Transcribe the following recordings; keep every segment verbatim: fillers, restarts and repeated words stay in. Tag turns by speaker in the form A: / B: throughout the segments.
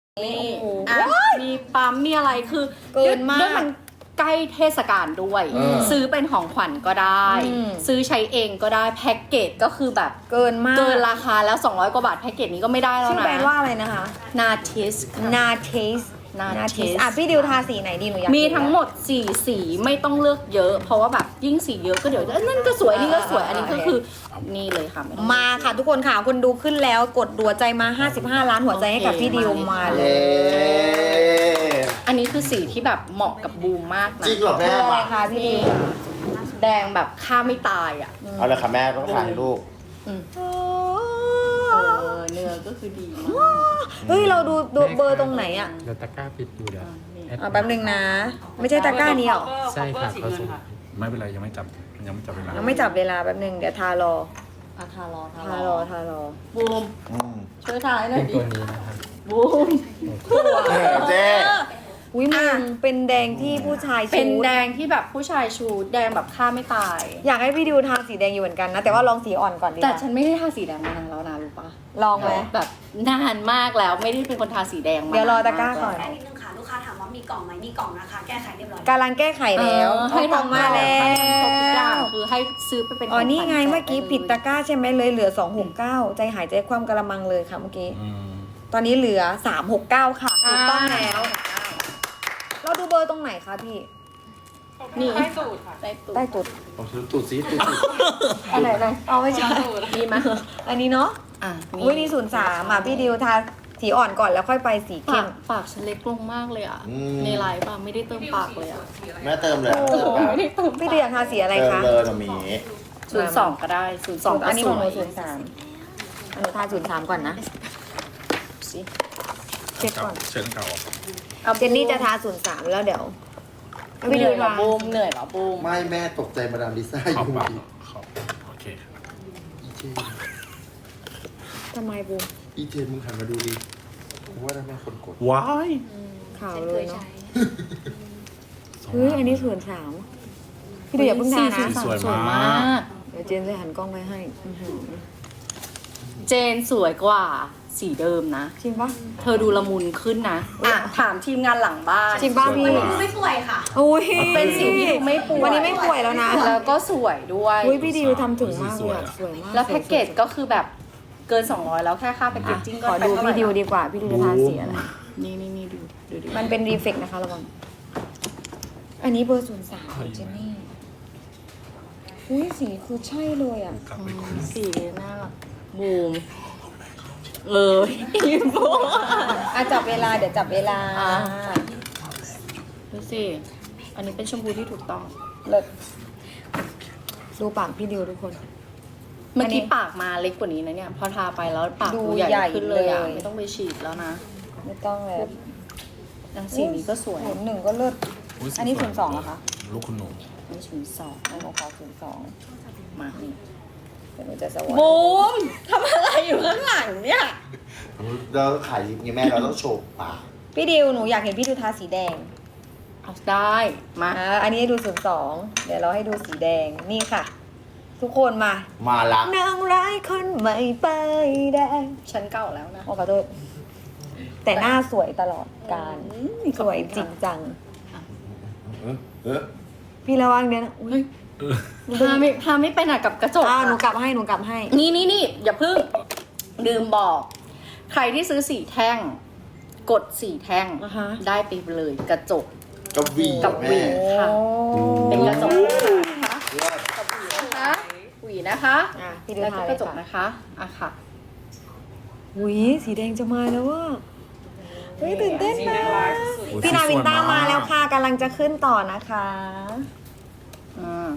A: นี่อ่ะมีปั๊มมีอะไรคือ
B: เกินมาก
A: ด้วยมันใกล้เทศกาลด้วย
C: เออ
A: ซื้อเป็นของขวัญก็ได้
B: อืม
A: ซื้อใช้เองก็ได้แพ็กเกจก็คือแบบ
B: เกินมาก
A: เกินราคาแล้วสองร้อยกว่าบาทแพ็กเกจนี้ก็ไม่ได้แล้ว
B: ชื่อ
A: นะ
B: แบรนด์ว่าอะไรนะคะ
A: นาทิส
B: นาเทส
A: Natis
B: อ่ะพี่ดิวทาสีไหนดีหนูอยาก
A: มีทั้งหมดสี่สีไม่ต้องเลือกเยอะ เพราะว่าแบบยิ่งสีเยอะก็เดี๋ยวเอ้ยนั่นก็สวยนี่ก็สวยอันนี้ก็คือนี่เลยค่ะไม่ต้อง
B: มาค่ะทุกคนค่ะคนดูขึ้นแล้วกดหัวใจมาห้าสิบห้าล้านหัวใจให้กับพี่ดิวมาเล
C: เย้
B: ย
A: อันนี้คือสีที่แบบเหมาะกับบูมมากนะ
C: จริงเหรอแม่
B: อะไร
C: มา
B: คะพี่ดิว
A: แดงแบบฆ่าไม่ตายอ่ะ
C: เอาเลยค่ะแม่ต้องถ่ายรูป
A: อืมเออเนื้อก็คือดีมาก
B: เฮ้ยเราดูดูเบอร์ตรงไหนอ่ะ
D: เดี๋ยวตะกร้าปิดอยู่เดี๋ยว
B: อ่ะแป๊บนึงนะ ไม่ใช่ตะกร้านี้หรอ
D: ใช่ค่ะเขาส่งไม่เป็นไรยังไม่จับยังไม่จับเวลา
B: ยังไม่จับเวลาแป๊บนึงเดี๋ยวทารอ
A: อ่ะทารอทา
B: ทารอทารอ
A: บูม
C: อืม
A: ช่วยทายหน่อยดิ
D: ตัวนี้นะครับ
A: บูม
C: เออเจ๊
B: อุ้ยมึงเป็นแดงที่ผู้ชาย
A: เป็น
B: ชูด
A: แดงที่แบบผู้ชายชูแดงแบบฆ่าไม่ตาย
B: อยากให้พี่ดิวทาสีแดงอยู่เหมือนกันนะ แต่ว่าลองสีอ่อนก่อนดีก
A: แต่
B: ว่า
A: ฉันไม่ได้ทาสีแดงมานานแล้วนะรู้ปะ
B: ลองไหม
A: แบบนานมากแล้วไม่ได้เป็นคนทาสีแดงมา
B: เดี๋ยวรอตะกร้าก่อน
A: แล้ว
E: แค่นิดนึงค่ะ ลูกค้าถามว่ามีกล่องไหมมีกล่องนะคะ แก้ไขเรียบร้อย
B: กำลังแก้ไขแล้ว
A: เออให้
B: ให้ทองมาแล้
A: ให้ทำครบทุกอย่าง
B: ว
A: คือให้ซื้อไปเป็น
B: อ๋อ
A: ขขวัญ
B: นี่ไง
A: แจ
B: เมื่อกี้
A: ได้ลย
B: ผิดตะกร้าใช่ไหมเลยเหลือสองหกเก้าใจหายใจความกระมังเลยค่ะเมื่อกี้
D: อืม
B: ตอนนี้เหลือสามหกเก้าค่ะถูกต้อง
A: อ่า
B: แล้ว เราดูเบอร์ตรงไหนคะพี่
A: นี่ใต้ตูดค่ะใต้ตูด
B: ใต้จุด
C: ผมซื้อตูดซีตูดซี
B: อันไหนไหนเอาไม่ใช่
A: มีไหม
B: อันนี้เนาะ
A: อ่ะ
B: อุ้ยนี่ศูนย์สามอ่ะพี่ดิวทาสีอ่อนก่อนแล้วค่อยไปสีเข้
A: ปาม กปากฉันเล็กลงมากเลยอ่ะ ในไลฟ์ป่ะไม่ได้เติมปากเลยอ่ะ
C: แม่เติมเลยเติมแบบ
A: ไม่ได้เติม
B: พี่ดิวอยากทาสีอะไร
C: เติม
B: คะ
C: เลยมามี
A: ศูนย์สองก็ได้ศูนย์สอง
B: อันนี้ของหนู
A: ส
B: ศู
A: วย
B: นย์สามอันหนูทาศูนย์สามก่อนนะ
A: สิ
B: เช็คก่อน
D: เชิญเก่า
A: อา
B: เจนนี่จะทาศูนย์สามแล้วเดี๋ยว
A: เห
B: พี่ดิ
A: นื่
B: ว
A: อยเหรอ
B: ทา
A: บูมเหนื่อยเหรอบูม
C: ไม่แม่ตกใจมาดามลิซ่าอ
D: ขอบ
C: ยู่
D: ปากขอบโอเค
C: อีเจ
B: ทำไมบูม
C: อีเจมึงหันมาดูดิกูว่าได้แม่คนกด
D: ว้าย
B: ขาวเลยเนาะเฮ้ยอันนี้ศูนย์สามพี่ดิวอย่าเพิ่งทา
A: สี่
B: นะ
A: ศูนย์สามสวยมาก
B: เดี๋ยวเจนจะหันกล้องไปให้อื้อหือ
A: เจนสวยกว่าสีเดิมนะ
B: จริงปะ
A: เธอดูละมุนขึ้นนะอ่ะถามทีมงานหลังบ้าน
B: จริงป่ะพี่
E: วันนี้ดูไม่ป่วยค่ะ
B: อุ้ย
A: เป็นสีที่ดูไม่ป่วย
B: วันนี้ไม่ป่วยแล้วนะ
A: แล้วก็สวยด้วย
B: อุ้ยพี่ดิวทำถึงมากเลยอะสวยมาก
A: แล้วแพ็กเกจก็คือแบบเกินสองร้อยแล้วแค่ค่าแพ็กเกจจิ้งก็
B: ขอ
A: ไป
B: ดู
A: เท่าไหร่
B: พี่ดิวดีกว่า พี่ดิวจะทาสีอะไร
A: นี่นี่นี่ดูดูดิ
B: มันเป็นรีเฟกนะคะระวัง อันนี้เบอร์ศูนย์สามเจนนี่ อุ้ยสีคือใช่เลยอ่ะ
D: กลับไปคุย
A: สีน่ารักบูมเอออีโบ
B: อ่ะจับเวลาเดี๋ยวจับเวลา
A: อ่ะ ดูสิอันนี้เป็นชมพูที่ถูกต้อง
B: เลิศดูปากพี่ดิวทุกคน
A: เมื่อกี้ปากมาเล็กกว่านี้นะเนี่ย พอทาไปแล้วปาก
B: ดู
A: ดูใหญ่
B: ใหญ่
A: ขึ้นเลยอ่ะ
B: เลย
A: ไม่ต้องไปฉีดแล้วนะ
B: ไม่ต้องแล้ว
A: แล้วสีนี้ก็สวย
B: ศูนย์หนึ่งก็เลิศ
D: ย
B: อันนี้ศูนย์สองเหรอคะ
D: ลูกคุณหนู
A: นี่ชุนสอง
B: อันนี้ขอศูนย์สอง
A: มานี่
B: เดี๋ยวหนูจะสวอ
A: บูมทำอะไรอยู่ข้างหลังเนี่ย
C: เราขายลิปไงแม่เราต้องโชว์ปาก
B: พี่ดิวหนูอยากเห็นพี่ดิวทาสีแดง
A: เอาได้มา
B: อ่าอันนี้ให้ดูศูนย์สองเดี๋ยวเราให้ดูสีแดง นี่ค่ะ ทุกคนมา
C: มาละ
B: นางร้ายคนใหม่ไปายแดง
A: ฉันเก่าแล้วนะ
B: โอ้ขอโทษแต่หน้าสวยตลอดการ
A: อืม
B: สวยจริงจัง
C: เออเออ
B: พี่ระวังเดี๋ยวนะอุ๊ย
A: พาไม่พาไม่ไปไหนกับกระจก
B: อ่า
A: อะ
B: หนูกลับให้หนูกลับให้
A: นี่นี่นี่อย่าเพิ่งลืมบอก ใครที่ซื้อสีแท่ง กดสีแท่ง
B: อ่าฮะ
A: ได้ไปเลยกระจก
C: กับวี
A: กับหวี
C: แม่
A: ค่ะ เป็นกระจกนะคะ
C: เลิศ
A: กับหวีนะคะหวีนะคะ
B: อ่ะพี่ดู
A: แล้ว
B: ทา
A: ก็
B: เล
A: ก
B: ย
A: ระจก
B: ค่ะ
A: นะคะอ่ะค่ะ
B: หุยสีแดงจะมาแล้วว่าเฮ้ยตื่นเต้นนะ
D: โอ้ย
B: พี่นาวินต้า
D: สวย
B: มาแล้วค่ะกำลังจะขึ้นต่อนะคะ
A: อืม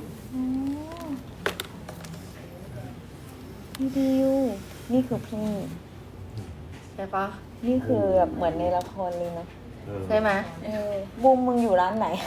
B: พี่ดิวนี่คือพี่
A: ใช่ปะ
B: นี่คือแบบเหมือนในละครเลยนะ
C: เออ
A: ใช่ไหม
B: เออบูมมึงอยู่ร้านไหน
C: อ่ะ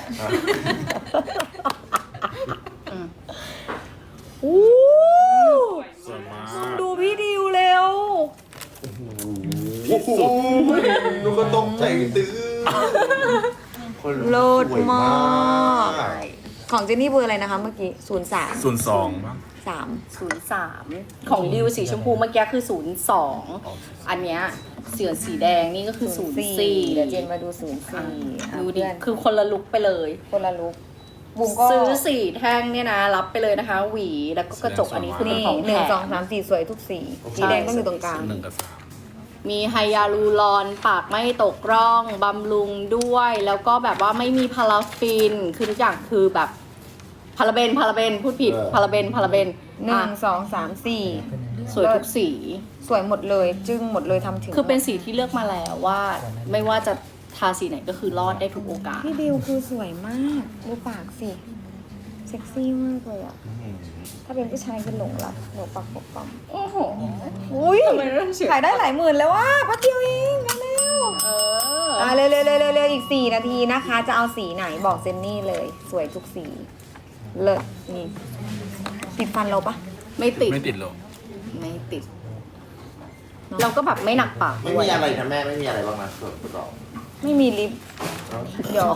A: อืม
B: อู้
D: สวยมาก
B: ดูพี่ดิวเร็ว
C: โอ้โหลูกก็ตกใจตื้อคน
B: โลด
C: สวย
B: มาก
C: ก
B: ของเจนนี่เบอร์อะไรนะคะเมื่อกี้ศูนย์สาม
D: ส่วนสองบ้าง
B: สาม
A: ศูนย์สามของดิวสีชมพูเมื่อกี้คือศูนย์สองอันเนี้ยเสือสีแดงนี่ก็คือศูนย์สี่
B: เดี๋ยวเจนมาดูศูนย์สี่
A: ดูดิคือคนละลุกไปเลย
B: คนละลุกบุ๋มก็
A: ซื้อสี่แท่งเนี่ยนะรับไปเลยนะคะ หวีแล้วก็กระจกอันนี้คือเป็น
B: นี่
A: ของ
B: หนึ่ง
A: แถ
B: สอง
A: ม
B: สามสี่สวยทุกสีสีแดงต้องอยู่ตรงกลาง
D: หนึ่งกับสาม
A: มีไฮยาลูรอนปากไม่ตกร่องบำรุงด้วย แล้วก็แบบว่าไม่มีพาราฟินคือทุกอย่างคือแบบพาราเบนพาราเบนพูดผิดพาราเบนพาราเบน
B: หนึ่
A: อ่ะ
B: งสองสามสี่
A: สวยทุกสี
B: สวยหมดเลยจึ้งหมดเลยทำถึง
A: คือเป็นสีที่เลือกมาแล้วว่าไม่ว่าจะทาสีไหนก็คือรอดได้ทุกโอกาส
B: พี่ดิวคือสวยมากดูปากสิเซ็กซี่มากเลยอ่ะถ้าเป็นผู้ชายคือหลงรักหนูปากปกป้อง
A: โอ้โห
B: อุ้ย
A: ทำไมเรื่องเสียง
B: ขายได้หลายหมื่นแล้วว่ะพัดเดียวเองเร็ว
A: เอ
B: ๆ
A: อ
B: อ่ะเร็วๆเร็วๆเร็วๆอีกสี่นาทีนะคะ จะเอาสีไหนบอกเจนนี่เลย สวยทุกสีเลิศนี่ติดฟันเราปะ
A: ไม่ติด
D: ไม่ติดหรอก
A: ไม่ติด เราก็แบบไม่หนักปาก
C: ไม่
A: ด้วย
C: มีอะไรนะแม่ไม่มีอะไรบ้างนะส่วนประกอบ
B: ไม่มีลิปเดี๋ยว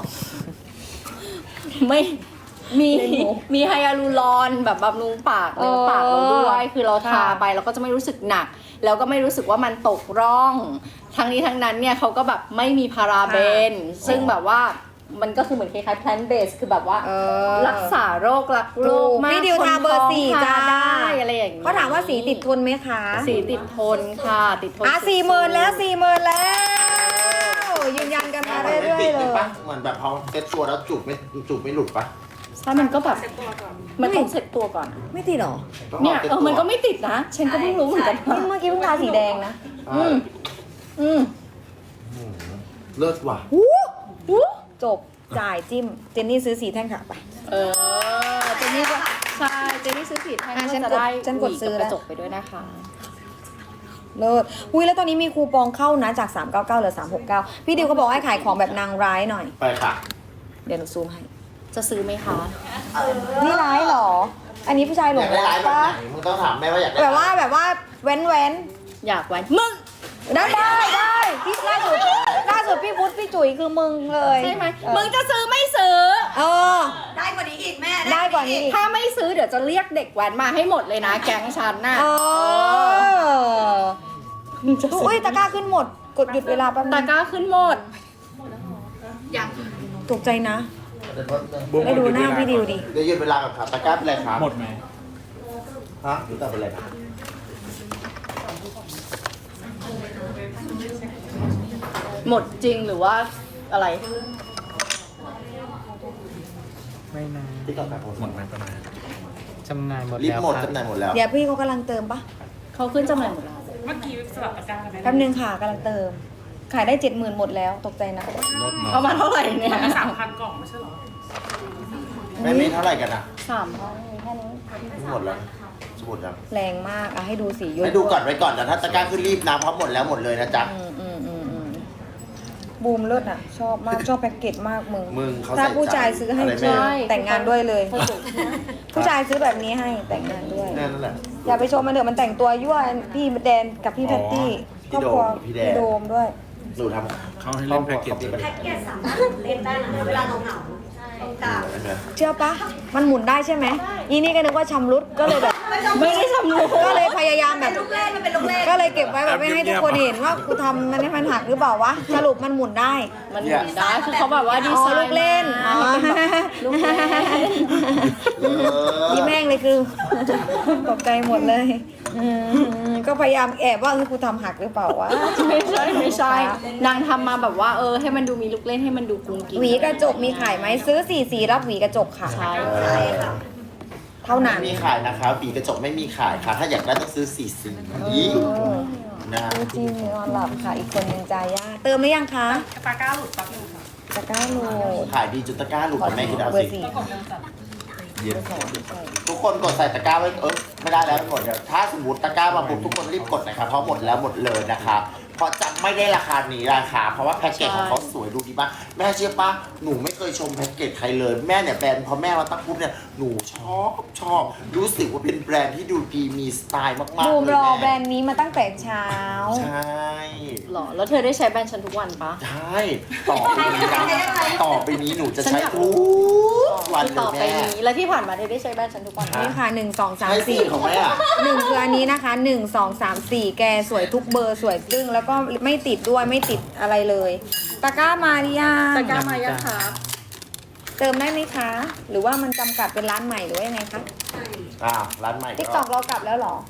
A: ไม่มี
B: เล่นมุก
A: มีไฮยาลูรอนแบบบำรุงปาก
B: เอ
A: เนื้
B: อ
A: อปากเราด้วย คือเราทา
B: ค่ะ
A: ไปเราก็จะไม่รู้สึกหนัก แล้วก็ไม่รู้สึกว่ามันตกร่อง ทั้งนี้ทั้งนั้นเนี่ยเขาก็แบบไม่มีพาราเบน ซึ่งแบบว่ามันก็คือเหมือนคล้ายๆ plant based คือแบบว่า
B: เออ
A: รักษาโรครักโรคมาก
B: พี่ดิวทาเบอร์สี่
A: คนท้อง
B: จ้า
A: ทได้อะไรอย่างนี้
B: เขาถามว่าสีติดทนไหมคะ
A: สีติดทนค่ะ ติดทน
B: อ่ะ
A: สุดๆ
B: สี่หมื่นแล้วสี่หมื่นแล้ว ยืนยันกันมา
C: มันไม่
B: เรื่อ
C: ติ
B: ย
C: ด
B: ๆเล
C: เลย
B: ย
C: ปะเหมือนแบบพอเซ็ตตัวแล้วจูบไม่จูบไม่หลุดปะ
A: ใช่มันก็แบบมันต้องเซ็ตตัวก่อน
B: ไม่ติดหรอ
A: เนี่ยเออมันก็ไม่ติดนะ ฉันก็เพิ่งรู้เหมือนกัน
B: นี่เมื่อกี้เพิ่งทาสีแดงนะ
A: อืมอืม
C: เลิศว่ะ
B: วู้วู้จบจ่ายจิ้ม เจนนี่ซื้อสีแท่งค่ะไป
A: เออเจนนี่ก็ใช่เจนนี่ซื้อผิดให้
B: อ่ะ
A: ก็
B: ฉัน
A: จะ
B: กด
A: ได้
B: ฉันกด
A: หวี
B: ซื้อ
A: กับ
B: แล้
A: ก
B: ว
A: ระจกไปด้วยนะคะ
B: เลิศอุ้ยแล้วตอนนี้มีคูปองเข้านะจากสามเก้าเก้าเหลือสามหกเก้าพี่ดิวเขาบอกให้ขายของแบบนางร้ายหน่อย
C: ไปค่ะ
B: เดี๋ยวหนูซูมให้
A: จะซื้อไหมคะ
B: นี่ร้ายเหรอ อันนี้ผู้ชายหล
C: อยาง กได้
B: รั
C: ร้าก ยแบบ
B: ปะ
C: ไหนมึงต้องถามแม่ว่าอยากได้
B: แบบว่าแบบว่าเว้นเว้น
A: อยากไว้มึง
B: ได้ได้ได้พี่ล่าสุดล่าสุดพี่พุทธพี่จุ๋ยคือมึงเลย
A: ใช่ไหม
B: เออ
A: มึงจะซื้อไม่ซื้อ
B: เออ
E: ได้กว่านี้อีกแม่
B: ได้กว่านี้อีก
A: ถ้าไม่ซื้อเดี๋ยวจะเรียกเด็กแว้นมาให้หมดเลยนะ แก๊งฉันน่ะ
B: เอออุ้ยตะกร้าขึ้นหมด กดหยุดเวลาแป๊บนึ
A: ตะ
B: ง
A: กร้าขึ้นหมด
B: ตกใจนะได้ดูหน้าพี่ดิวดิ
C: เดี๋ยวหยุดเวลากับครับตะกร้าเป็นไรครับ
D: หมดไหม
C: ฮะหรือแต่เป็นไรครับ
A: หมดจริงหรือว่าอะไร
F: ไม่นาน
C: ที่กับแบบ
D: หมดไหมประมาณ
F: จำหน่ายหมด
C: รีบ
F: แล้ว
C: หมด
F: ค่ะ
C: จำหน่ายหมดแล้ว
B: เดี๋ยวพี่เขากำลังเติมปะ
A: เขาขึ้นจำหน่ายหมดแล้ว
B: แป๊บนึงค่ะกำลังเติม ขายได้เจ็ดหมื่นหมดแล้วตกใจนะ
D: ลดเนาะ
A: เอามาเท่าไหร่เนี่ย
G: สามพันกล่องไม่ใช่เหรอ
C: แม่มีเท่าไหร่กันอ่ะ
A: สามพันแค่นี้
C: หมดแล้วสมุดยัง
B: แรงมากอ่ะให้ดูสีย
C: ให้ดูก่อนไว้ก่อนแต่ถ้าตะกร้าขึ้นรีบนะเพราะหมดแล้วหมดเลยนะจ๊ะ
B: อืมอืมอืมอืมบูมเลิศอ่ะ ชอบมากชอบแพ็กเกจมากมึง
C: มึงเขา
B: ถ้า
C: ใส่
B: ผู้ชายซื้อให้
C: อะไรแม่
B: ใช่แต่งงานด้วยเลย
A: เขาสุด
B: ผู้ชายซื้อแบบนี้ให้แต่งงานด้วย
C: แน่นั่นแหละ
B: อย่าไปชมมันเถอะมันแต่งตัวยั่วพี่แดนกับพี่แพตตี้ครอบครัว
C: พี่โดมพี่แดน
B: พี่โดมด้วย
C: หนูทำ
D: เขาให้เล่นแพ็กเกจ
E: แพ็กเกจสามารถเล่นได้นะเวลาเหงาๆใช่กลาง
B: เชื่อปะมันหมุนได้ใช่ไหมอีนี่ก็นึกว่าชำรุดก็เลยแบบ
A: ไม่ได้ชำรุด
B: ก็เลยพยายามแบ
E: เป็
B: บ
E: นลูกเล่นมันเป็นลูกเล่น
B: ก็เลยเก็บไว้แบบไม่ให้ทุกคนเห็นว่ากูทำมันให้มันหักหรือเปล่าวะสรุปมันหมุนได้
A: มันหมุนได้คือเขาแบบว่าดี
B: อ๋อ
A: ไซน์
B: ลูกเล่น
A: มา
B: อ๋อ
A: ให้เป็นแบบลูกเล่น
B: ยิ้มแห้งเลยคือ ตกใจหมดเลยอืมก็พยายามแอบว่าคือกูทำหักหรือเปล่าวะ
A: ไม่ใช่ไม่ใช่ นางทำมาแบบว่าเออให้มันดูมีลูกเล่นให้มันดูกุ้งกิ้ง
B: หวีกระจกมีขายไหมซื้อสี่สีรับหวีกระจกค่ะ
A: ใช่
C: ใช่ค่ะ
B: เท่านั้น
C: ไม่มีขายนะคะปีกระจกไม่มีขายค่ะ ถ้าอยากได้ต้องซื้อสี่สีนะ
B: ดูจีนนอนหลับค่ะ อีกคนนึงจาย่าเติมหรือยังคะ
G: ตาก้าหลุดแป๊บนึงค่ะ
B: ตะกร้าโหลด
C: ขายดีจุดตะกร้าหลุดกับแม่คิดเอา
B: เบอ
C: สิ
B: ร์สี่
G: กล่องเดิมจัด
C: เย็นทุกคนกดใส่ตะกร้าไว้เออไม่ได้แล้วหมดเดี๋ยวถ้าสมมติตะกร้ามาปุ๊บทุกคนรีบกดนะครับเพราะหมดแล้วหมดเลยนะคะเพราะจะไม่ได้ราคานี้ราคาเพราะว่าแพ็กเกจของเขาสวยดูดีป่ะแม่เชื่อป่ะหนูไม่เคยชมแพ็กเกจใครเลยแม่เนี่ยแบรนด์พอแม่มาตั้งปุ๊บเนี่ยหนูชอบชอบรู้สึกว่าเป็นแบรนด์ที่ดูดีมีสไตล์มากๆ
B: บูม
C: เลย
B: รอแบร
C: แม่
B: นด์นี้มาตั้งแต่เช้า
C: ใช่
A: หรอ แล้วเธอได้ใช้แบรนด์ฉันทุกวันปะ
C: ใช่ต่อไปนี้นะต่อไปนี้หนูจะใช้ทุกวันเล
A: ต่อย ไป
C: แม่
A: นี้ แล้วที่ผ่านมาเธอได้ใช้แบรนด์ฉันทุกวันปะ
B: นี่ค่ะหนึ่งสองสาม
C: ใช่สิ
B: สี่
C: ของแม่อะ
B: หนึ่งคืออันนี้นะคะหนึ่งสองสามสี่แกสวยทุกเบอร์สวยจึ้งแล้วก็ไม่ติดด้วยไม่ติดอะไรเลยตะกร้ามาหรือยัง
A: ตะกร้ามายังคะ
B: เติมได้ไหมคะ หรือว่ามันจำกัดเป็นร้านใหม่หรือว่ายังไงคะ
C: อ่าร้านใหม่
B: ติ๊ก
C: ก็
B: ตอกเรากลับแล้วเหรอ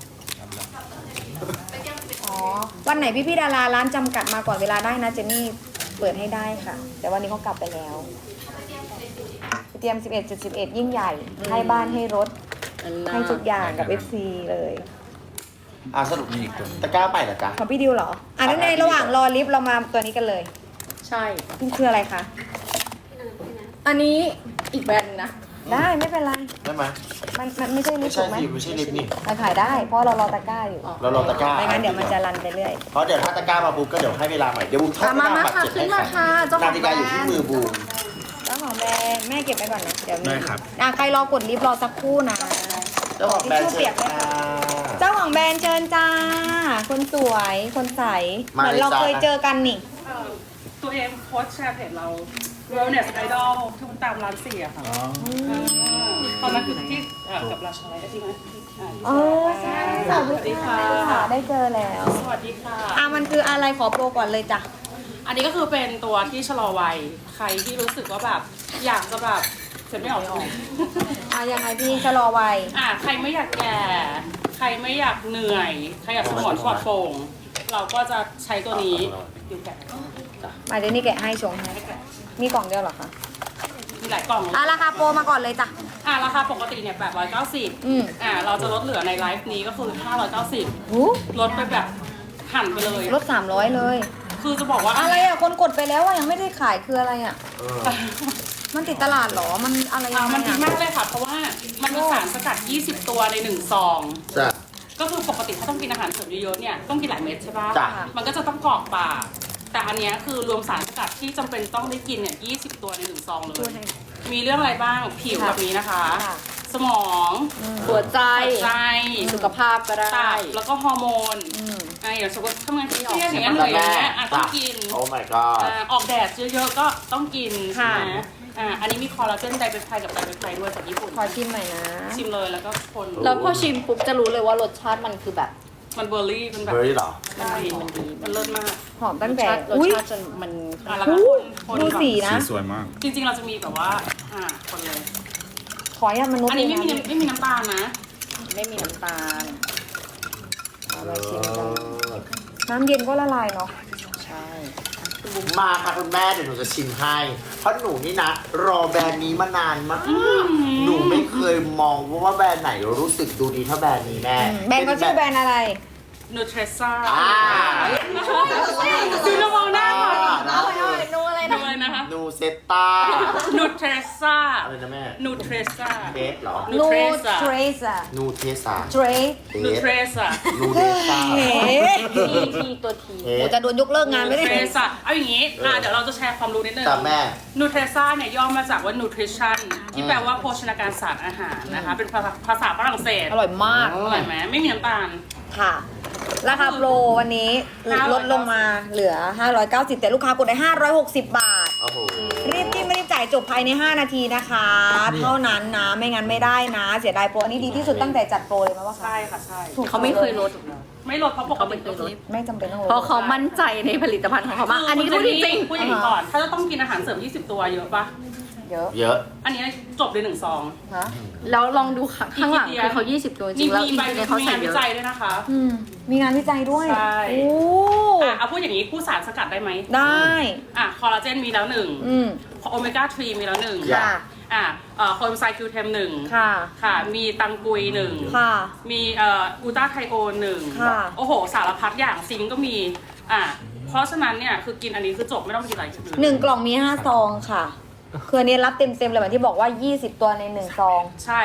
B: อ๋อวันไหนพี่พี่ๆดาราร้านจำกัดมาก่อนเวลาได้นะเจนนี่เปิดให้ได้ค่ะ แต่วันนี้เขากลับไปแล้วเตรียม สิบเอ็ดจุดสิบเอ็ด ยิ่งใหญ่ ให้บ้านให้รถ
A: อันน่า
B: ให้ทุกอย่างกับ เอฟ ซี เลย
C: อ่าสรุปมีอีกตัวตะกร้าใหม่เหรอจ๊ะ
B: ของพี่ดิวเหรอ อ่ะนั่นในระหว่างรอลิฟต์เรามาตัวนี้กันเลย
A: ใช่
B: นี่คืออะไรคะ
A: อันนี้อีกแบรนด์หนึ่งนะ
B: ได้ไม่เป็นไร
C: ได้ไหม
B: มันมันไม่ใช่ลิ
C: ไม่
B: ฟต์
C: ใช่
B: ถูกไหม
C: สิไม่ใช่ลิฟต์นี่
B: มันขายได้ เพราะเรารอตะกร้าอยู่
C: เรารอตะกร้า
B: ไม่งั้นเดี๋ยวมันจะรันไปเรื่อย
C: เพราะเดี๋ยวถ้าตะกร้ามาปุ๊บก็เดี๋ยวให้เวลาใหม่เดี๋ยวบูมทอด
A: มามา
C: บัตร
A: ค่ะ
C: เจ็ด
A: ขึ้น
C: ให้
A: มาค่ะเจ้าของ
C: นาฬิกาอยู่ที่มือบูม
B: เจ้าของแบรนด์แม่เก็บไปก่อนนะ เดี๋ยวมี
D: ได้ครับ
B: อ่ะใครรอกดลิฟต์รอสักครู่นะ
C: เจ้าของแบรนด์
B: ทิชชู่เปี
C: เชิ
B: ย
C: ญ
B: กไหม
C: ค่ะ
B: คะ เจ้าของแบรนด์เชิญจ้า คนสวย คนใส เห
C: มา
B: มือน
C: เลย
B: เรา
C: จ้า
B: เคยเจอกันนี่
G: เอ่อตัวเองโพสต์แชร์เพจเรา Wellness Idol ที่มันตามร้านเสียค่ะาตอนนั้นคือที่เอ่อกับราชาไลท์ใช่ไหมอ่า
B: เออใช่
G: สวัสดีค่ะ
B: ค่ะได้เจอแล้ว
G: สวัสดีค่ะ
B: อ่ะมันคืออะไรขอโปรก่อนเลยจ้ะ
G: อันนี้ก็คือเป็นตัวที่ชะลอวัย ใครที่รู้สึกว่าแบบอยากจะแบบเสร็จไม่ออกไม่ออก
B: อ่ะยังไงพี่ชะลอวัย
G: อ่ะใครไม่อยากแก่ ใครไม่อยากเหนื่อย ใครอยากสมองปลอดโปร่ง เราก็จะใช้ตัวนี้อยู่แก่
B: มาเดี๋ยวนี้แกะให้ชงให้มีกล่องเดียวเหรอคะ
G: มีหลายกล่อง
B: อ่ะราคาโปรมาก่อนเลยจ้ะ
G: อ่ะราคาปกติเนี่ยแปดร้อยเก้าสิบ
B: อืม
G: อ่ะเราจะลดเหลือในไลฟ์นี้ก็คือห้าร้อยเก้าสิบ
B: หู
G: ลดไปแบบหั่นไปเลย
B: ลดสามร้อยเลย
G: คือจะบอกว่า
B: อะไรอ่ะ คนกดไปแล้วอ่ะยังไม่ได้ขายคืออะไรอ่ะ
C: เออ
B: มันติดตลาดเหรอ มันอะไรยั
G: อ่ะ
B: งไง
G: มันดี
B: อ่ะ
G: มากเลยค่ะ เพราะว่ามันมีสารสกัด ยี่สิบ ตัวในหนึ่งซอง
C: จ้ะ
G: ก็คือปกติถ้าต้องกินอาหารเสริมเยอะๆเนี่ยต้องกินหลายเม็ดใช่ปะ
C: จ้ะ
G: มันก็จะต้องกรอกปาก แต่อันเนี้ยคือรวมสารสกัดที่จำเป็นต้องได้กินเนี่ยยี่สิบ ตัวในหนึ่งซองเลย มีเรื่องอะไรบ้าง ผิวแบบนี้นะคะ
B: ค่ะ
G: สมอง
A: หัวใจ
G: หัวใจ
A: สุขภาพก็ได้
G: ตับแล้วก็ฮอร์โมน
B: อืม
G: อ่ะอย่างสมมติทำงานเครียดอย่างเงี้ยเหนื่อยอย่างเงี้ยอ่ะต้องกิน
C: โอ้ my god
G: อ่าออกแดดเยอะๆก็ต้องกิน
B: ค่ะ
G: นะอ่าอันนี้มีคอลลาเจนไดเปปไทด์กับไดเปปไทด์ด้วยจากญี่ปุ่น
B: ขอชิมหน่อยนะ
G: ชิมเลยแล้วก็คน
A: แล้วพอชิมปุ๊บจะรู้เลยว่ารสชาติมันคือแบบ
G: มันเบอร์รี่มันแบบ
C: เบอร์รี่เหรอ
G: มันดีมันดีมันเลิศมาก
B: หอม
A: ร
B: ตั้ง
A: ส
B: แต่
A: ชาติรส
B: อุ้ย
A: ชาติจนมัน
G: อ่ะแล้วก็คนคน
B: ดู
G: แบบ
B: สีนะ
D: สีสวยมาก
G: จริงๆเราจะมีแบบว่าอ่าคนเลย
B: ขออนุญาตมนุษย์
G: อันนี้ไม่มี
B: เลย
G: น้ำไม่มีน้ำตาลนะ
A: ไม่มีน้ำตาล
B: เอามาชิมกันน้ำเย็นก็ละลายเนาะ
A: ใช่
C: มาค่ะคุณแม่เดี๋ยวหนูจะชิมให้ เพราะหนูนี่นะ รอแบรนด์นี้มานานมาก หนูไม่เคยมองว่าแบรนด์ไหนรู้สึกดูดีเท่าแบรนด์นี้แม่
B: แบรนด์เขาชื่อแบรนด์อะไร
G: นูเทรซ่า
C: อ่า
G: ซีนมองหน้าก่อน
A: เอาเอานูอะไร
G: ดู
A: นะ
G: เลยนะคะ
C: นูเซตตา
G: นูเทรซ่า
C: อะไรนะแม่
G: นูเทรซ่า
C: เทสเหรอ
G: นูเทรซ่า
B: เทรซ่า
C: นูเทสา
B: เทรส
C: เท
G: นู
C: ส
G: เทรซ่า
C: นูเทสา
B: เฮ้
A: ทีทีตัวที
C: เท
B: โอ้
C: ส
B: จะโดนยกเลิกงานไม่ได้
G: นูเทรซ่าเอาอย่างนี้อ่ะเดี๋ยวเราจะแชร์ความรู้นิดนึง
C: แต่แม่
G: นูเทรซ่าเนี่ยย่อมาจากว่า nutrition ที่แปลว่าโภชนาการศาสตร์อาหารนะคะ เป็นภาษาภาษาฝรั่งเศส
B: อร่อยมาก
G: อร่อยไหมไม่มีน้ำตาล
B: ค่ะ ราคาโปรวันนี้
G: ห้าร้อย
B: ลดลงมาเหลือ ห้าร้อยเก้าสิบ แต่ลูกค้ากดได้ ห้าร้อยหกสิบ บาท
C: โอ้โห
B: รีบจิ้มไม่รีบจ่ายจบภายใน ห้า นาทีนะคะ เท่านั้นนะ ไม่งั้นไม่ได้นะ เสียดายโปร อันนี้ดีที่สุดตั้งแต่จัดโปรเลยไหมว่าคะ
G: ใช่ค่ะใช่
B: ถูก
A: เขาไม่เคยลด
G: ไม่ลดเพราะปกติก็คือ
B: ไม่จำเป็นต้องลด
A: เพราะเขามั่นใจในผลิตภัณฑ์ของเขามาก อันนี้พูดจริง
G: พูดอย่างนี้ก่อน ถ้าจะต้องกินอาหารเสริม ยี่สิบ ตัวเยอะปะ
B: เยอะ
C: เยอะ
G: อันนี้จบเลยหนึ่งซอง
B: ฮะ
A: ๆ แล้วลองดูข้างข้างหลังคือเขายี่สิบตัวจริ
G: นี่
A: งๆแล้ว
G: มี
A: อีก
G: ใบ
A: ในเขา
G: มี
A: ใส่
G: งาน
A: เย
G: วิ
A: อะ
G: จัยด้วยนะคะ
B: อืม มีงานวิจัยด้วย
G: ใช่
B: โอ้
G: อ่ะเอาพูดอย่างนี้คู่สารสกัดได้ไหม
B: ได้
G: อ่ะคอลลาเจนมีแล้วหนึ่ง
B: อืม
G: โอเมก้าทรีมีแล้วหนึ่ง
C: อย่า
B: ค่ะ
G: อ่ะเอ่อโคเอนไซม์คิวเทมหนึ่ง
B: ค่ะ
G: ค่ะ มีตังกุยหนึ่ง
B: ค่ะ
G: มีเอ่อกูต้าไทโอนหนึ่ง
B: ค่ะ
G: โอ้โห สารพัดอย่างซิงก์ก็มี อ่ะเพราะฉะนั้นเนี่ย คือกินอันนี้คือจบไม่ต้องกินอะไรอื่น
B: หนึ่งกล่องมีห้าซองค่ะ คืออันนี้รับเต็มๆเลยเหมือนที่บอกว่า ยี่สิบ ตัวในหนึ่งซอง
G: ใช่
B: ร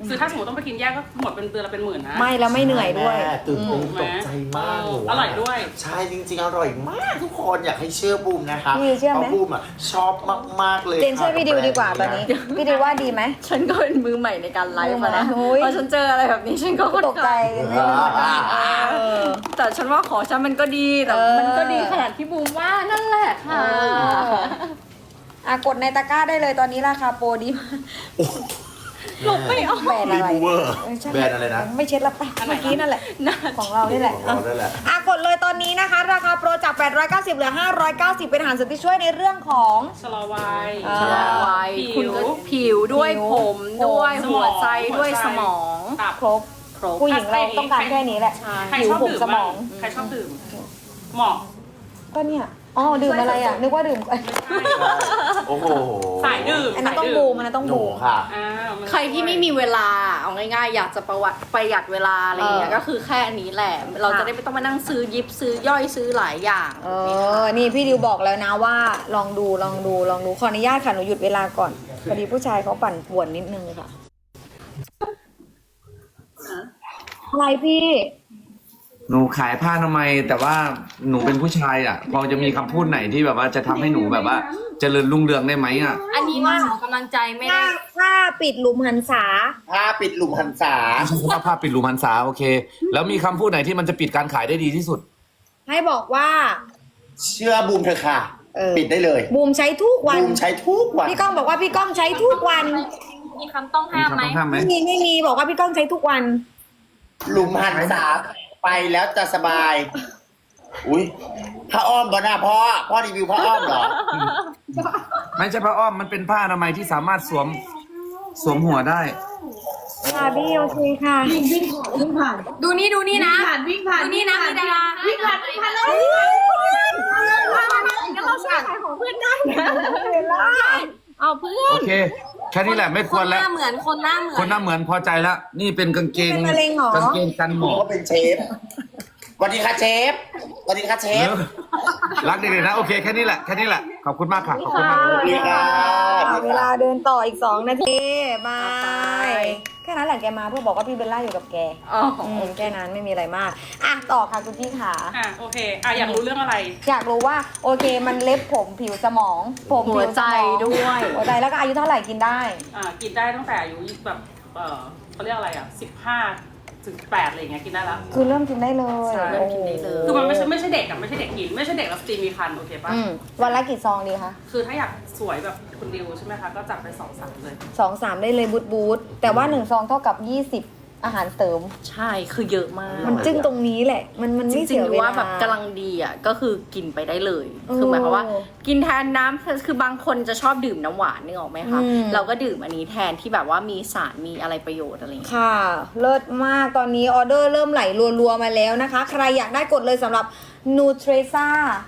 G: คือถ้าสมมติต้องไปกินแยกก็หมดเป็นเดือนละเป็นหมื่นนะ
B: ไม่แล้วไม่เหนื่อยด้วย
C: แม่ตื่นเต้นตกใจมากหนู
G: อร่อยด้วย
C: ใช่จริงๆ อร่อยมากทุกคนอยากให้เชื่อบูมนะคะ
B: พี่เชื่อไหม
C: พราะบูมอ่ะชอบมากๆเลย
B: เจนช่วยพี่ดิวดีกว่าตอนนี้ พี่ดิวว่าดีไหม
A: ฉันก็เป็นมือใหม่ในการไลฟ์มานะ
B: โอ้ย
A: พอฉันเจออะไรแบบนี้ฉันก็
B: ตกใจ
C: เออ
A: เออแต่ฉันว่าขอฉันมันก็ดีแต่
B: เออ
A: มันก็ดีขนาดที่บูมว่านั่นแหละค่ะ
B: อ่ะกดในตะกร้าได้เลยตอนนี้ราคาโปรดีมาก
A: หลบไม่ออก
B: แบรนด์อะไร
C: รีบูเวอร์
B: เออใช่
C: แบรนด์อะไรนะ
B: ไม่เช็ดละไปเมื่อกี้นั่นแหละ ของเรานี่แหละ
C: ของเราได้แหละ
B: อ่ะกดเลยตอนนี้นะคะ ราคาโปรจาก แปดร้อยเก้าสิบ เหลือ ห้าร้อยเก้าสิบ เป็นอาหารเสริมที่ช่วยในเรื่องของ
G: ชะลอวัย
B: อ่า
A: ชะลอวัย
G: ผิว
A: คุณก็ผิวด้วย
B: ผิว
A: ผมด้วย
G: สมอง
A: หัวใจด้วย
G: หัวใจ
A: สมอง
G: ตับ
B: ครบ
A: ครบ
B: ผู้หญิงเราต้องการแค่นี้แหละ
G: ใคร
B: ผิว
G: ชอบ
B: ผม
G: ดื่ม
B: สม
G: บ้า
B: อง ง
G: ใครชอบดื่มเหมาะ
B: ก็เนี่ย อ๋อ ดื่มอะไรอ่ะ นึกว่าดื่ม
C: โอ้โห
G: สายดื่ม
B: อันนั้นต้อง
G: สาย
B: บู
G: ดื่
B: มอันนั้นต้อง
C: หนู
B: บูม
C: ค่ะ
G: อ่ามัน
A: ใครที่ไม่มีเวลาเอาง่ายๆ อยากจะประวัติประหยัดเวลาอะไรอย่างเงี้ย
B: เออ
A: ก็คือแค่อันนี้แหละ เราจะได้ไม่ต้องมานั่งซื้อยิบซื้อย่อยซื้อหลายอย่าง
B: เออ นี่พี่ดิวบอกแล้วนะว่า ลองดูลองดูลองดู ขออนุญาตค่ะ หนูหยุดเวลาก่อน พอดีผู้ชายเขาปั่นป่วนนิดนึงค่ะ อะไรพี่
H: หนูขายผ้าทำไมยแต่ว่าหนูเป็นผู้ชายอ่ะ พอจะมีคำพูดไหนที่แบบว่าจะทำให้หนูแบบว่าเจริญรุ่งเรืองได้ไหมอ่ะ
A: อันนี้ว่าขอกำลังใจไม่
B: ถ้า
A: ได้
B: ถ้าปิดหลุมหันษา
C: ผ้าปิดหลุมหันษา
H: ใช้คำว่าผ้าปิดรูมันษาโอเค แล้วมีคำพูดไหนที่มันจะปิดการขายได้ดีที่สุด
B: ให้บอกว่า
C: เชื่อบูมเถอะค่ะ
B: เออ
C: ปิดได้เลย
B: บูมใช้ทุกวัน
C: บูมใช้ทุกวัน
B: พี่ก้องบอกว่าพี่ก้องใช้ทุกวัน
A: มีคำต้องห้ามไหม
H: มีคำต้องห้ามไหม
B: ไม่มีไม่มีบอกว่าพี่ก้องใช้ทุกวัน
C: หลุมหันษาไปแล้วจะสบาย อุ้ยผ้าอ้อมบ่น่าพ่อพ่อรีวิวผ้าอ้อมเหรอ
H: ไม่ใช่ผ้าอ้อมมันเป็นผ้าอนามัยที่สามารถสวมสวมหัวได้
B: ค่ะพี่โอเคค่ะ
A: ดูนี่ดูนี่นะ
E: ผ่านวิ่งผ่าน
A: ดูนี่นะมีดารา
E: วิ่งผ่านวิ่งผ่านแล้ว
A: งั้นเราช่วยขายของเพื่อนได้นะเอาเพื่อน
H: โอเค แค่นี้แหละไม่ควร
A: ห
H: แล้ว
A: น้าเหมือนคนหน้าเหมือน
H: คนหน้าเหมือนพอใจแล้ว นี่เป็นกางเกง
B: เป็นมะเร็งเหรอ
H: กางเกงกันหม
C: ผม
H: อก
C: ก็เป็นเชฟสวัสดีค่ะเชฟสวัสดีค่ะเชฟ
H: รักเด็กๆนะโอเคแค่นี้แหละแค่นี้แหละขอบคุณมากค่ะขอบคุณมาก
C: สวัสดีค่ะ
B: เวลาเดินต่ออีกสองนาทีบายแค่นั้นแหละแกมาเพื่อบอกว่าพี่เบลล่าอยู่กับแก
A: อ๋อ
B: อืมแค่นั้นไม่มีอะไรมาก อ่ะต่อค่ะคุณพี่ขา
G: อ่ะโอเคอ่ะอยากรู้เรื่องอะไร
B: อยากรู้ว่าโอเคมันเล็บผมผิวสมอง ผม
A: หัวใจ
B: ผิสมอง
A: ด้วย
B: หัวใจแล้วก็อายุเท่าไหร่กินได้
G: อ่ากินได้ตั้งแต่อายุแบบเออเขาเรียกอะไรอ่ะสิบห้าถึงแปดอะไรอย่างเงี้ยกินได้แล้ว
B: คือเริ่มกินได้เลย
G: ใช่
A: เริ่มกินได้เลย
G: คือมันไม่ใช่ไม่ใช่เด็กอะไม่ใช่เด็กกิน ไม่ใช่เด็กแล้วสตรีมีคันโอเคปะ
B: อืมวันละกี่ซองดีคะ
G: คือถ้าอยากสวยแบบคุณดิวใช่ไหมคะ ก็จัดไปสองสามเลย
B: สองสามได้เลยบูทบูทแต่ว่าหนึ่งซองเท่ากับยี่สิบอาหารเสริม
A: ใช่คือเยอะมาก
B: มันจึ้งตรงนี้แหละ มันมัน
A: จ
B: ไม่
A: ริ
B: เสี
A: ง
B: ย
A: ๆ
B: เวลา
A: ว่าแบบกำลังดีอ่ะก็คือกินไปได้เลย
B: เออ
A: คือหมายความว่า กินแทนน้ำคือบางคนจะชอบดื่มน้ำหวานนึกออกไหมคะ
B: อืม
A: เราก็ดื่มอันนี้แทนที่แบบว่ามีสารมีอะไรประโยชน์อะไรอย่างเงี้ย
B: ค่ะ เลิศมากตอนนี้ออเดอร์เริ่มไหลรัวๆมาแล้วนะคะ ใครอยากได้กดเลยสำหรับ Nutresa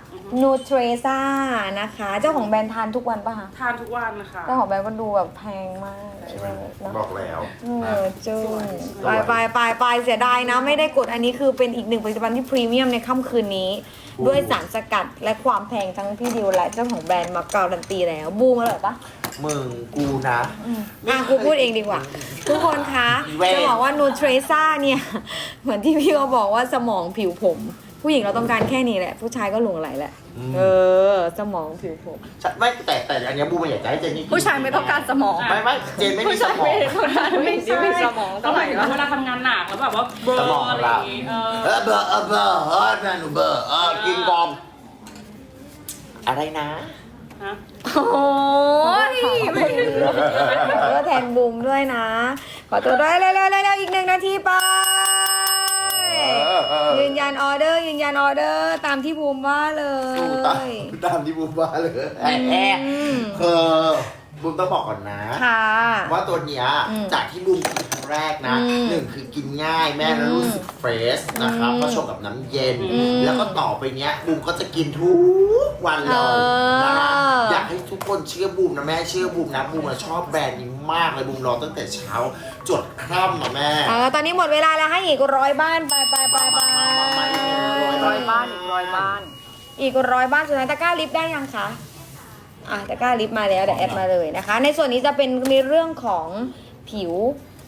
B: Nutresa นะคะ เจ้าของแบรนด์ทานทุกวันปะคะ
G: ทานทุกวันนะคะ
B: เจ้าของแบรนด์ก็ดูแบบแพงมากเนอะ
C: บอกแล้ว
B: เออจึ้งไปไปไปไปเสียดายนะ ไม่ได้กดอันนี้คือเป็นอีกหนึ่งผลิตภัณฑ์ที่พรีเมียมในค่ำคืนนี้ ด้วยสารสกัดและความแพงทั้งพี่ดิวและเจ้าของแบรนด์มาการันตีแล้วบูมอร่อยปะ
C: มึงกูนะ
B: อ่ะกูพูดเองดีกว่า ทุกคนคะ
C: เว้ย
B: จะบอกว่านูเทรซ่าเนี่ย เหมือนที่พี่เขาบอกว่าสมองผิวผม ผู้หญิงเราต้องการแค่นี้แหละ ผู้ชายก็หลงไหลแหละ เออ สมองผิวผม
C: ฉันไม่แต่แต่อันเนี้ยบูมไม่อยากจะให้เจนนี่กิน
A: ผู้ชายไม่ต้องการสมอง
C: ไม่ไม่เจนไม่มีสมอง
A: ผู้ชายไม่ได้ต้องการไม่ได้มีสมอง
G: ก็
A: เท่า
G: ห
A: ไห
G: มา
A: ร่
G: ยถึง
A: วะ
G: ว่าเวลาทำงานหนักแล้วแบบว่าเบลอ
C: สมอง
G: อะไรอย่างงี้เออ
C: เออเบอร์เออเบอร์เออแม่หนูเบอร์เออกินกอมอะไรนะ
G: ฮะ
A: โอ้ย
B: เออแทนบูมด้วยนะ ขอตัวด้วยเร็วๆเร็วๆอีกหนึ่งนาทีไป
C: เออเออ
B: ยืนยันออเดอร์ยืนยันออเดอร์ตามที่บูมว่าเล
C: สู้ตาม
B: ย
C: ตามที่บูมว่าเลยแอะแอะ
B: อืม
C: คือบูมต้องบอกก่อนนะ
B: ค่ะ
C: ว่าตัวเนี้ย
B: อืม
C: จากที่บูมกินครั้งแรกนะ
B: อืม
C: หนึ่งคือกินง่ายแม่แล้วรู้สึกเฟรชนะครับ
B: อืม
C: ก็ชงกับน้ำเย็น
B: อืม
C: แล้วก็ต่อไปเนี้ยบูมก็จะกินทุกวันเลย
B: เออ
C: นะฮะอยากให้ทุกคนเชื่อบูมนะแม่เชื่อบูมนะบูมอะชอบแบรนด์นี้มากเลยบูมรอตั้งแต่เช้าจดค่ำนะแม่
B: เออตอนนี้หมดเวลาแล้วให้อีกร้อยบ้านไปไปไปไป
A: ร้อยบ้านอีกร้อยบ้าน
B: อีกร้อยบ้านสุดท้ายตะกร้าลิฟต์ได้ยังคะอ่ะตะกร้าลิฟต์มาแล้วเดี๋ยวแอดมาเลยนะคะ ในส่วนนี้จะเป็นในเรื่องของผิว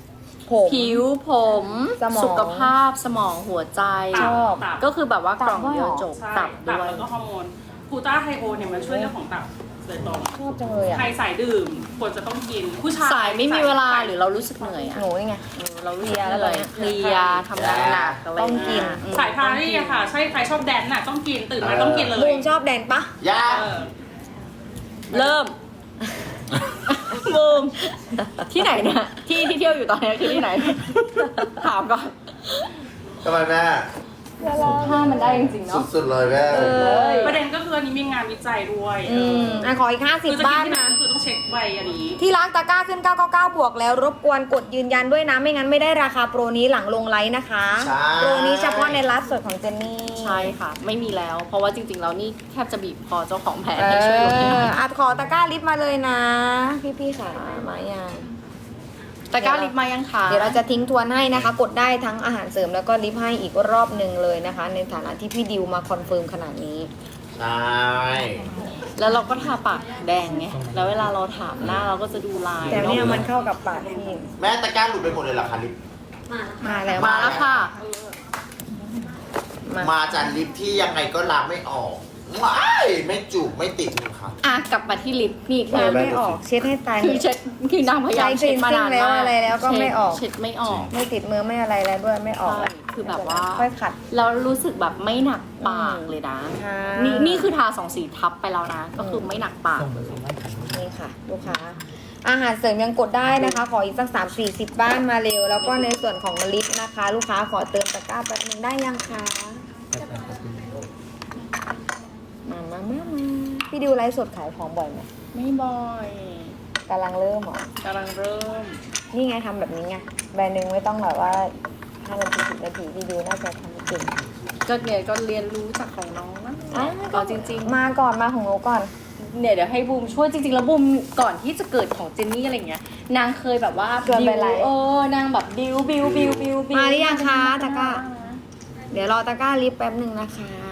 B: ผม
A: ผิวผม
B: สมอง
A: สุขภาพสมองหัวใจ
B: ชอบ
G: ตับ
A: ก็คือแบบว่ากล่องเดียวจบ
G: ใช่
A: ตับ
G: ตับ
A: ด้วย
G: แล้วก็ฮอร์โมนกูต้าไฮโอเนี่ยมันช่วยเรื่องของตับโดยตรง
B: ชอบจังเลยอ่ะ
G: ใครสายดื่มควรจะต้องกิน ผู้ชาย
A: สายไม่มีเวลา
G: สย
A: หรือเรารู้สึกเหนื่อยอะ
B: หนูนี่ไง
A: เออเรารู้สึก
B: เพลียแล้ว
A: เหนื่อย
B: ตอนเนี้ย
A: เพลียทำงานหนักอะไร
B: ต้องกิน
A: อืม
G: สายพารี่อะค่ะ ใช่ใครชอบแดนซ์น่ะต้องกินตื่นมาต้องกินเลย
B: บูมชอบแดนปะ
C: ยา
G: เออ
A: เริ่ม บูมที่ไหนเนี่ยที่ที่เที่ยวอยู่ตอนนี้คือที่ไหน ถามก่อน
C: ทำไมแม่
A: ถ้ามันได้จริงๆเนาะ
C: สุดๆเลยแม่
A: เออ
G: ประเด็นก็คืออันนี้มีงานวิจัยด้วย
B: อืมอ่ะขออีกห้าสิบ
G: คือจะกิ
B: บ้าน
G: ที่ไหน
B: นะ
G: ก็คือต้องเช็คใบอันนี้
B: ที่ร้านตะกร้าขึ้นเก้าเก้าเก้าบวกแล้วรบกวนกดยืนยันด้วยนะ ไม่งั้นไม่ได้ราคาโปรนี้หลังลงไลฟ์นะคะ
C: ใช่
B: โปรนี้เฉพาะในไลฟ์สดของเจนนี่
A: ใช่ค่ะ ไม่มีแล้ว เพราะว่าจริงๆแล้วนี่แทบจะบีบคอเจ้าของแผน
B: เอ
A: ให้ช่วยลดให้หน่
B: อ
A: อย
B: อัดขอตะกร้าลิฟต์มาเลยนะ พี่ๆค่ะมายัง
A: ตะกร้าลิปมายังคะ
B: เดี๋ยวเราจะทิ้งทวนให้นะคะ กดได้ทั้งอาหารเสริมแล้วก็ลิฟต์ให้อีกรอบหนึ่งเลยนะคะ ในฐานะที่พี่ดิวมาคอนเฟิร์มขนาดนี้
C: ใช่
A: แล้วเราก็ทาปากแดงไง แล้วเวลาเราถามหน้าเราก็จะดูลาย
B: แต่เนี่ย
A: อะ
B: มันเข้ากับปากพี่
C: แม่ตะกร้าหลุดไปหมดเลยเหรอคะลิป
B: มาแล้ว
A: มาแล้วค่ะ
B: มา
C: มาจากลิปที่ยังไงก็ล้างไม่ออกไม่ไม่จุกไม่ติดเลยค่ะ
A: อ่ะกลับมาที่ลิปนี่คื
B: ล้า
A: อง
B: ไม่ออกเช็ดให้ตาย
A: คือเช็ดคือนางพยายามเช็ดมานาน
B: ใช้ cleansing แล้ว
A: มาก
B: อะไรแล้วก็ไม่ออก
A: เช็ดไม่ออก
B: ไม่ติดมือไม่อะไรแล้วด้วยไม่ออกแล้ว
A: ใช่คือแบบว่า
B: ค่อยขัด
A: แล้วรู้สึกแบบไม่หนักปากเลยนะ
B: ค่ะ
A: นี่นี่คือทาสองสีทับไปแล้วนะ ก็คือไม่หนักปาก
F: ส่งไปส่งบ้านขัน
B: นี่ค่ะลูกค้าอาหารเสริมยังกดได้นะคะ ขออีกสักสามสี่สิบบ้านมาเร็ว แล้วก็ในส่วนของลิปนะคะ ลูกค้าขอเติมตะกร้าแป๊บนึงได้ยังคะมามามามาพี่ดิวไลฟ์สดขายของบ่อยไหม
A: ไม่บ่อย
B: กำลังเริ่มเหรอก
A: ำลังเริ่ม
B: นี่ไงทำแบบนี้ไงแบรนด์หนึ่งไม่ต้องแบบว่าห้านาทีสิบนาทีพี่ดิวน่าจะทำเก่ง
A: ก็เนี่ยก็เรียนรู้จากของน้องนะ
B: อ่ะ
A: ก็จริงๆ
B: มาก่อนมาของหนูก่อน
A: เนี่ยเดี๋ยวให้บูมช่วยจริงๆแล้วบูมก่อนที่จะเกิดของเจนนี่อะไรเงี้ยนางเคยแบบว่า
B: ชวนไป
A: บิว
B: ไลฟ์
A: เออนางแบบบิวบิวบิวบิวบิว
B: มาหรือยังคะตะกร้า เดี๋ยวรอตะกร้าลิฟต์แป๊บหนึ่งนะคะ